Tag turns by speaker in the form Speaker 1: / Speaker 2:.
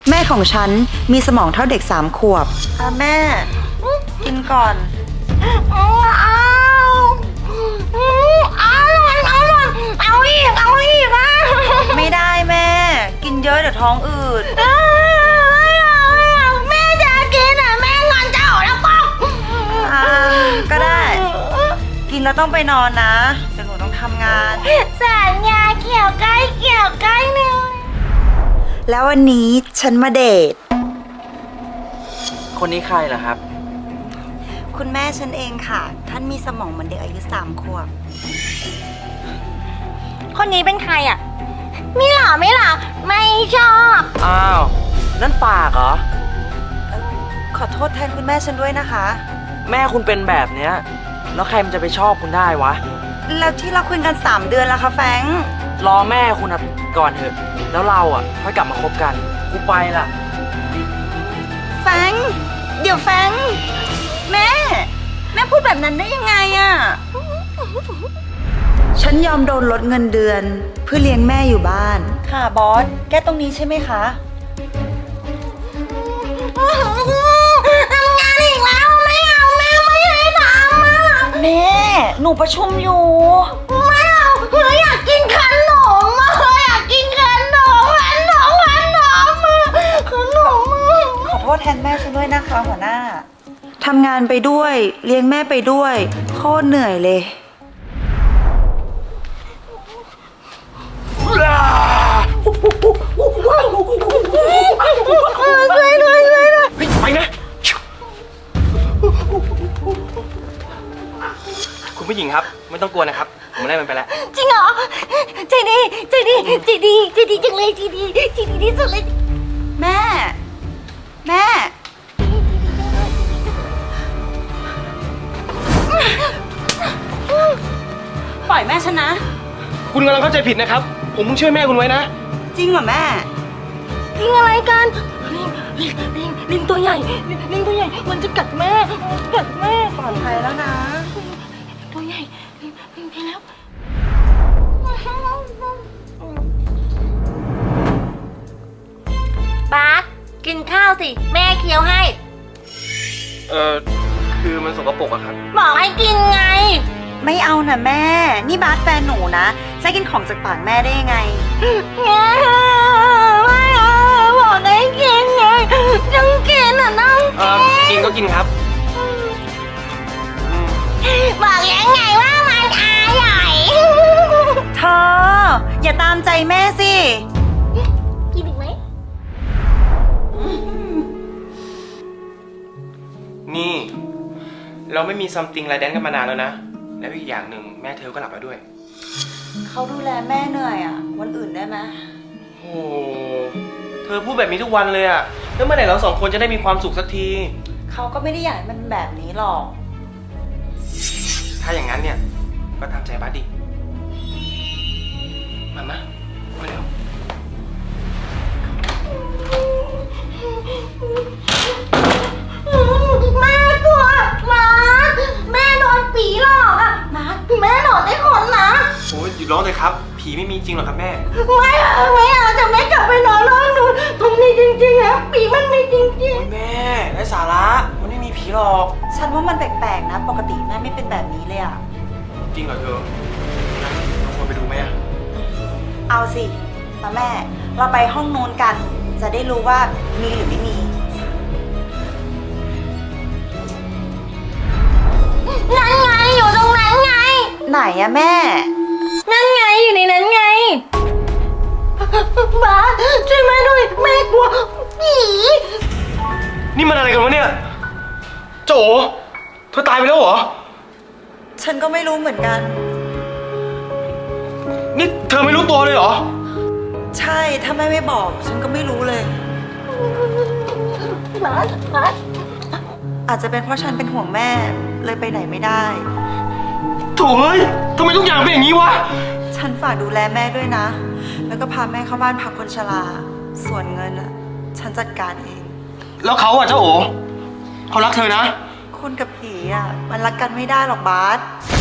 Speaker 1: แม่ของฉันมีสมองเท่าเด็ก3 ขวบแม่กินก่อน
Speaker 2: เอาอีก
Speaker 1: ไม่ได้แม่กินเยอะเดี๋ยวท้องอืด
Speaker 2: แม่จะกินแม่งอนเจ้าแล้วป๊อก
Speaker 1: ก็ได้กินแล้วต้องไปนอนนะเดี๋ยวหนูต้องทำงาน
Speaker 2: สัญญาเกี่ยวใกล้หนึ่ง
Speaker 1: แล้ววันนี้ฉันมาเดท
Speaker 3: คนนี้ใครเหรอครับ
Speaker 1: คุณแม่ฉันเองค่ะท่านมีสมองเหมือนเด็กอายุ3 ขวบ
Speaker 2: คนนี้เป็นใครอ่ะไม่หล่อไม่ชอบ
Speaker 3: อ้าว นั่นปากเหรอ
Speaker 1: ขอโทษแทนคุณแม่ฉันด้วยนะคะ
Speaker 3: แม่คุณเป็นแบบเนี้ยแล้วใครมันจะไปชอบคุณได้วะ
Speaker 1: แล้วที่เราคุยกัน3 เดือนแล้วคะแฟง
Speaker 3: รอแม่คุณก่อนเถอะ แล้วเราค่อยกลับมาคบกัน กูไปละ
Speaker 1: แฟงเดี๋ยวแฟงแม่พูดแบบนั้นได้ยังไงอะฉันยอมโดนลดเงินเดือนเพื่อเลี้ยงแม่อยู่บ้านค่ะบอสแก้ตรงนี้ใช่ไหมคะ
Speaker 2: ทำงานอีกแล้วไม่เอาแม่ไม่ให้ทำ
Speaker 1: แม่หนูประชุมอยู่
Speaker 2: ไม่เอาอยากกินขนมอยากกินขนม
Speaker 1: ขอโทษแทนแม่ฉันด้วยนะคะหัวหน้าทำงานไปด้วยเลี้ยงแม่ไปด้วยโคตรเหนื่อยเลย
Speaker 3: ไปนะ คุณผู้หญิงครับ ไม่ต้องกลัวนะครับ ผมไล่มันไปแล้ว
Speaker 2: จริงเหรอใจดีจังเลยใจดีที่สุดเลย
Speaker 1: แม่ปล่อยแม่ฉันนะ
Speaker 3: คุณกำลังเข้าใจผิดนะครับ ผมเพิ่งช่วยแม่คุณไว้นะ
Speaker 1: จริงเหรอแม่
Speaker 2: ลิงอะไรกันลิงตัวใหญ่ลิงตัวใหญ่มันจะกัดแม่
Speaker 1: ปลอดภัยแล้วนะ
Speaker 2: ตัวใหญ่ลิงไปแล้วบาสกินข้าวสิแม่เคี้ยวให้
Speaker 3: คือมันสกปรกอะครับ
Speaker 2: บอกให้กินไง
Speaker 1: ไม่เอานะแม่นี่บาสแฟนหนูนะจะกินของจากปากแม่ได้ยังไง
Speaker 2: ไม่เอาบอกให้กินไงต้องกินต้อง
Speaker 3: กินก็กินครับ
Speaker 2: บอกยังไงว่ามันอร่อย
Speaker 1: เธออย่าตามใจแม่สิ
Speaker 2: กินอีกไหม
Speaker 3: นี่เราไม่มีซัมติงไรแดนกันมานานแล้วนะแล้วอีกอย่างหนึ่งแม่เธอก็หลับแล้วด้วย
Speaker 1: เขาดูแลแม่เหนื่อยอ่ะวันอื่นได้ไหม
Speaker 3: โอ้เธอพูดแบบนี้ทุกวันเลยอ่ะแล้วเมื่อไหร่เรา2 คนจะได้มีความสุขสักที
Speaker 1: เขาก็ไม่ได้อยากให้มันแบบนี้หรอก
Speaker 3: ถ้าอย่างนั้นเนี่ยก็ตามใจบัสดิมาเร็ว
Speaker 2: แม่กลัวมาแม่โดนผีหลอกอ่ะมาแม่หลอกได้คนนะ
Speaker 3: โอ้ยหยุดร้องเลยครับผีไม่มีจริงหรอกครับแม่
Speaker 2: ไม่เอาจะแม่กลับไปนอนร้องหนูตรงนี้จริงๆนะผีมันมีจริง
Speaker 3: ๆแม่ไร้สาระมันไม่มีผีหรอก
Speaker 1: ฉันว่ามันแปลกๆนะปกติแม่ไม่เป็นแบบนี้เลยอ่ะ
Speaker 3: จริงเหรอเธอลองไปดูไหม
Speaker 1: เอาสิมาแม่เราไปห้องนู้นกันจะได้รู้ว่ามีหรือไม่มี
Speaker 2: นั่นไงอยู่ตรงนั้นไง
Speaker 1: ไหนอะแม่
Speaker 2: นั่นไงอยู่ในนั้นไงบ้าช่วยแม่ด้วยแม่กลัวผี
Speaker 3: นี่มันอะไรกันวะเนี่ยโจเธอตายไปแล้วเหรอ
Speaker 1: ฉันก็ไม่รู้เหมือนกัน
Speaker 3: นี่เธอไม่รู้ตัวเลยเหรอ
Speaker 1: ใช่ถ้าแม่ไม่บอกฉันก็ไม่รู้เลย
Speaker 2: บ้า
Speaker 1: อาจจะเป็นเพราะฉันเป็นห่วงแม่เลยไปไหนไม่ได้
Speaker 3: โถ่เฮ้ยทำไมทุกอย่างเป็นอย่างนี้วะ
Speaker 1: ฉันฝากดูแลแม่ด้วยนะแล้วก็พาแม่เข้าบ้านพักคนชราส่วนเงินอ่ะฉันจัดการเอง
Speaker 3: แล้วเขาเจ้าโอเขารักเธอนะ
Speaker 1: คนกับผีอ่ะมันรักกันไม่ได้หรอกบาส